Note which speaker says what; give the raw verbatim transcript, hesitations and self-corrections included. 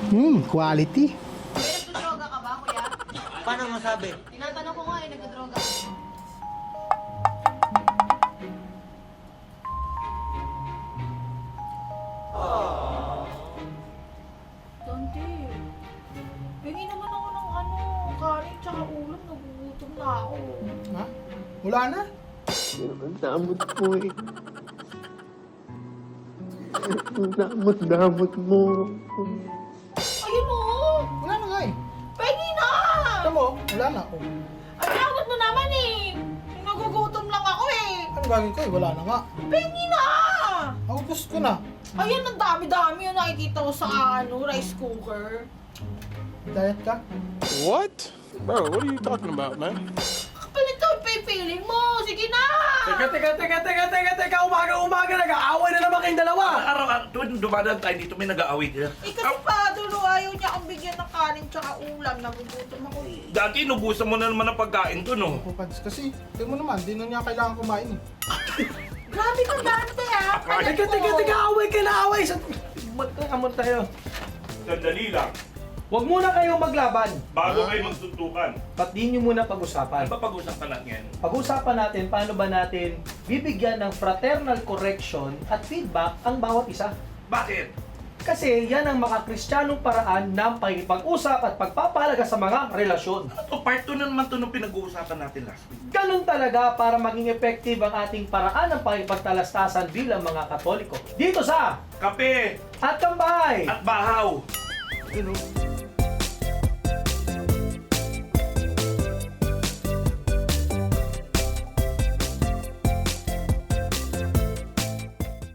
Speaker 1: Hmm, quality.
Speaker 2: May nagdodroga ka ba, kuya?
Speaker 3: Paano masabi?
Speaker 2: Tinatanong ko nga eh, nagdodroga ka. Dante, hingi naman ako ng ano, kanin tsaka ulam, nagugutom na ako.
Speaker 1: Ha? Wala na?
Speaker 3: Ang damot mo eh. Ang damot-damot mo.
Speaker 2: Ayun o!
Speaker 1: Wala na nga eh.
Speaker 2: Pwede na!
Speaker 1: Ito mo, wala na. Oh.
Speaker 2: Ang damot mo naman eh! Nagugutom lang ako eh!
Speaker 1: Ano gagawin ko eh? Wala na nga.
Speaker 2: Pwede na!
Speaker 1: Ako gusto ko na.
Speaker 2: Ayan, ang dami-dami yung nakikita ko sa ano, rice cooker.
Speaker 1: Diet ka?
Speaker 4: What? Bro, what are you talking about, man?
Speaker 2: Kapalit ito, pipiling mo! Sige na!
Speaker 5: Teka, teka, teka, teka, teka, teka, umaga-umaga, nag-aaway na naman kayong dalawa!
Speaker 6: Araw-araw, tuwing dumadaan tayo dito, may nag-aaway din.
Speaker 2: Eh kasi pa, dulo, ayaw niya akong bigyan ng kanin tsaka ulam. Nagugutom ako eh.
Speaker 6: Dati, inubusan mo na naman ang pagkain ko, no?
Speaker 1: Pupads. Kasi, tingnan mo naman, di na niya kailangan kumain eh.
Speaker 2: Grabe ka, Dante ah! Palit
Speaker 5: Teka,
Speaker 2: mo.
Speaker 5: teka, teka, away kayo na away! Sa... Magkakamon tayo.
Speaker 6: Sandali lang.
Speaker 5: Huwag muna kayong maglaban.
Speaker 6: Bago kayo magsuntukan.
Speaker 5: Ba't di nyo muna
Speaker 6: Ano
Speaker 5: pag-usapan?
Speaker 6: ba pag-usapan natin?
Speaker 5: Pag-usapan natin paano ba natin bibigyan ng fraternal correction at feedback ang bawat isa.
Speaker 6: Bakit?
Speaker 5: Kasi yan ang makakristyanong paraan ng pakikipag-usap at pagpapahalaga sa mga relasyon.
Speaker 6: Ano to? Part two na naman to nung pinag-uusapan natin last week.
Speaker 5: Ganun talaga para maging effective ang ating paraan ng pakipagtalastasan bilang mga Katoliko. Dito sa
Speaker 6: Kape
Speaker 5: At Kambay!
Speaker 6: at bahaw.
Speaker 5: Yun, oh.